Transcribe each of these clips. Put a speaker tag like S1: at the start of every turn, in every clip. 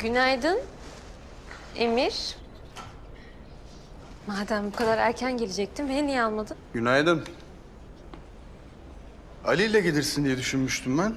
S1: Günaydın Emir. Madem bu kadar erken gelecektin, beni niye almadın?
S2: Günaydın. Ali ile gelirsin diye düşünmüştüm ben.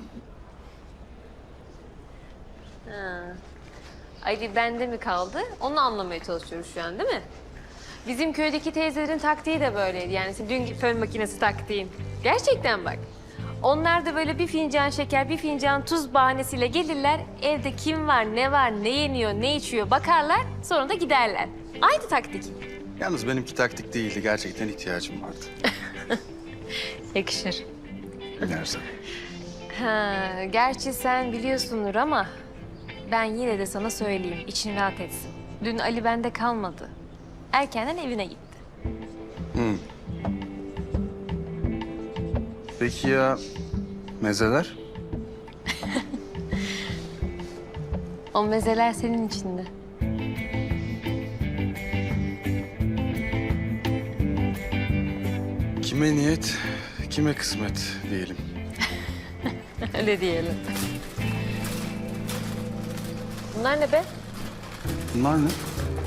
S1: Ali bende mi kaldı? Onu anlamaya çalışıyoruz şu an, değil mi? Bizim köydeki teyzelerin taktiği de böyleydi. Yani dün fön makinesi taktiğin. Gerçekten bak. Onlar da böyle bir fincan şeker, bir fincan tuz bahanesiyle gelirler. Evde kim var, ne yeniyor, ne içiyor bakarlar. Sonra da giderler. Aynı taktik.
S2: Yalnız benimki taktik değildi. Gerçekten ihtiyacım vardı.
S1: Yakışır.
S2: Binersen.
S1: Ha, gerçi sen biliyorsundur ama ben yine de sana söyleyeyim, için rahat etsin. Dün Ali bende kalmadı. Erkenden evine gitti.
S2: Peki ya mezeler?
S1: O mezeler senin içinde.
S2: Kime niyet, kime kısmet diyelim.
S1: Öyle diyelim. Bunlar ne be?
S2: Bunlar ne?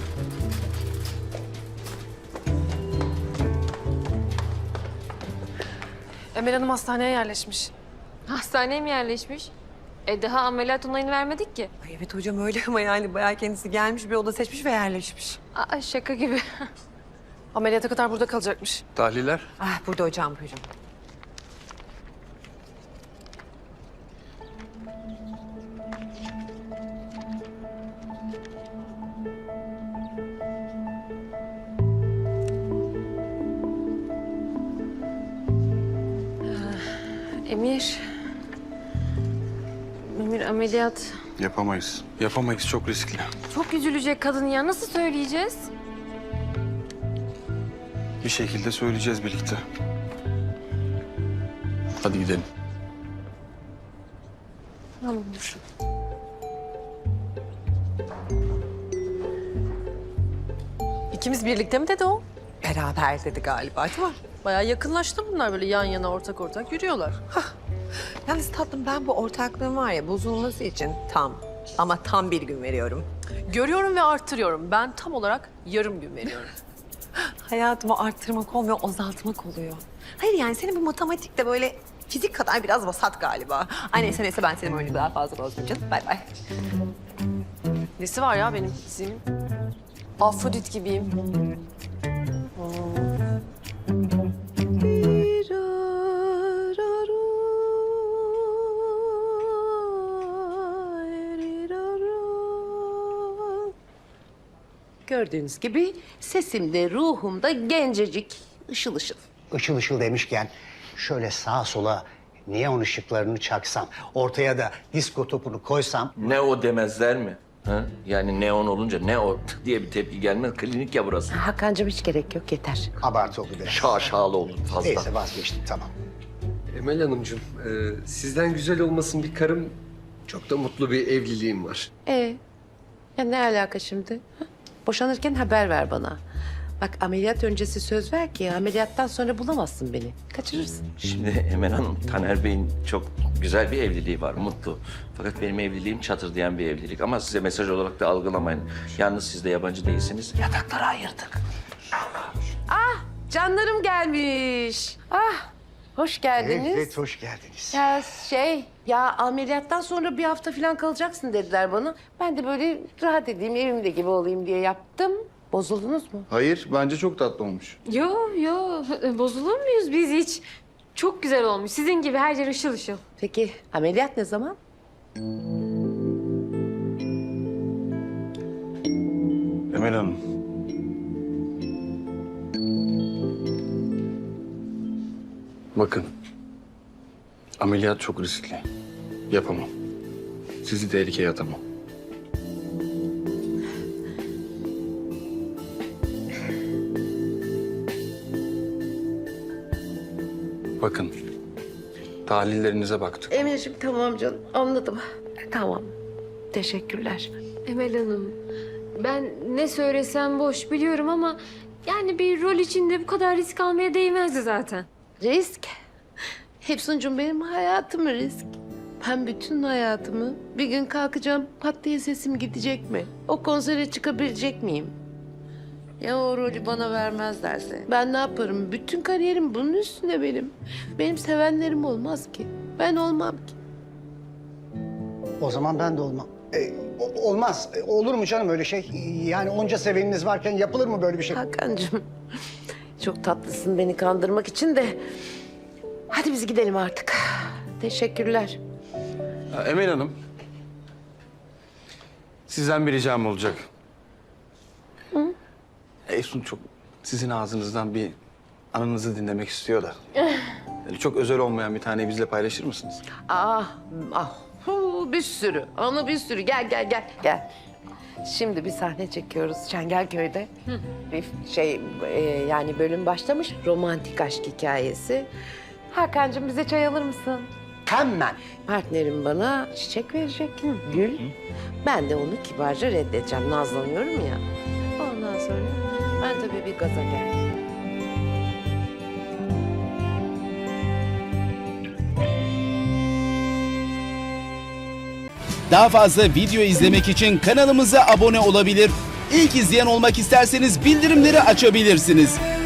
S3: Emel Hanım hastaneye yerleşmiş.
S1: Hastaneye mi yerleşmiş? Daha ameliyat onayını vermedik ki.
S4: Ay evet hocam öyle ama yani bayağı kendisi gelmiş bir oda seçmiş ve yerleşmiş.
S1: Aa, şaka gibi.
S3: Ameliyata kadar burada kalacakmış.
S2: Tahliller?
S4: Ah burada hocam buyurun.
S1: Emir. Emir ameliyat.
S2: Yapamayız. Yapamayız. Çok riskli.
S1: Çok üzülecek kadın ya. Nasıl söyleyeceğiz?
S2: Bir şekilde söyleyeceğiz birlikte. Hadi gidelim.
S1: Tamamdır.
S3: İkimiz birlikte mi dedi o?
S4: Beraber dedi galiba değil mi?
S3: Bayağı yakınlaştı bunlar, böyle yan yana ortak yürüyorlar.
S4: Yalnız tatlım ben bu ortaklığın var ya bozulması için tam bir gün veriyorum.
S3: Görüyorum ve arttırıyorum. Ben tam olarak yarım gün veriyorum.
S4: Hayatımı arttırmak olmuyor, azaltmak oluyor. Hayır yani senin bu matematikte böyle fizik kadar biraz vasat galiba. Ay neyse ben senin oyunu daha fazla bozmayacağım. Bay bay.
S3: Nesi var ya benim fiziğimin? Afrodit gibiyim.
S5: Gördüğünüz gibi sesimde, ruhumda gencecik, ışıl ışıl.
S6: Işıl ışıl demişken şöyle sağa sola neon ışıklarını çaksam, ortaya da disko topunu koysam...
S7: Ne o demezler mi? Ha? Yani neon olunca ne o diye bir tepki gelmez. Klinik ya burası.
S5: Hakan'cığım hiç gerek yok, yeter.
S6: Abartı oldu biraz.
S7: Şaşalı oldu fazla.
S6: Neyse vazgeçtim tamam.
S8: Emel Hanımcığım, sizden güzel olmasın bir karım, çok da mutlu bir evliliğim var.
S5: Ya ne alaka şimdi? Ha? Boşanırken haber ver bana. Bak ameliyat öncesi söz ver ki ameliyattan sonra bulamazsın beni. Kaçırırsın.
S7: Şimdi Emel Hanım, Taner Bey'in çok güzel bir evliliği var, mutlu. Fakat benim evliliğim çatırdayan bir evlilik. Ama size mesaj olarak da algılamayın. Yalnız siz de yabancı değilsiniz.
S5: Yatakları ayırdık. Canlarım gelmiş. Hoş geldiniz.
S6: Evet, hoş geldiniz.
S5: Ya ameliyattan sonra bir hafta falan kalacaksın dediler bana. Ben de böyle rahat edeyim, evimde gibi olayım diye yaptım. Bozuldunuz mu?
S2: Hayır, bence çok tatlı olmuş.
S1: Yo, bozulur muyuz biz hiç? Çok güzel olmuş. Sizin gibi her yer ışıl ışıl.
S5: Peki ameliyat ne zaman?
S2: Emel Hanım. Bakın. Ameliyat çok riskli. Yapamam. Sizi tehlikeye atamam. Bakın. Tahlillerinize baktık.
S5: Emirciğim tamam canım, anladım. Tamam, teşekkürler.
S1: Emel Hanım, ben ne söylesem boş biliyorum ama... yani bir rol içinde bu kadar risk almaya değmezdi zaten.
S5: Risk. Hepsuncum benim hayatım risk. Ben bütün hayatımı bir gün kalkacağım, pat diye sesim gidecek mi? O konsere çıkabilecek miyim? Ya o rolü bana vermezlerse? Ben ne yaparım? Bütün kariyerim bunun üstünde benim. Benim sevenlerim olmaz ki. Ben olmam ki.
S6: O zaman ben de olmam. Olmaz. Olur mu canım öyle şey? Yani onca seveniniz varken yapılır mı böyle bir şey?
S5: Hakan'cığım çok tatlısın beni kandırmak için de. Hadi biz gidelim artık. Teşekkürler.
S2: Emel Hanım. Sizden bir ricam olacak. Efsun çok sizin ağzınızdan bir anınızı dinlemek istiyor da. Yani çok özel olmayan bir taneyi bizle paylaşır mısınız?
S5: Bir sürü. Anı bir sürü. Gel. Şimdi bir sahne çekiyoruz Çengelköy'de. Bir yani bölüm başlamış. Romantik aşk hikayesi. Hakan'cığım bize çay alır mısın?
S6: Hemen.
S5: Partnerim bana çiçek verecek. Gül. Ben de onu kibarca reddedeceğim. Nazlanıyorum ya. Ondan sonra ben tabii bir gaza geldim.
S9: Daha fazla video izlemek için kanalımıza abone olabilir. İlk izleyen olmak isterseniz bildirimleri açabilirsiniz.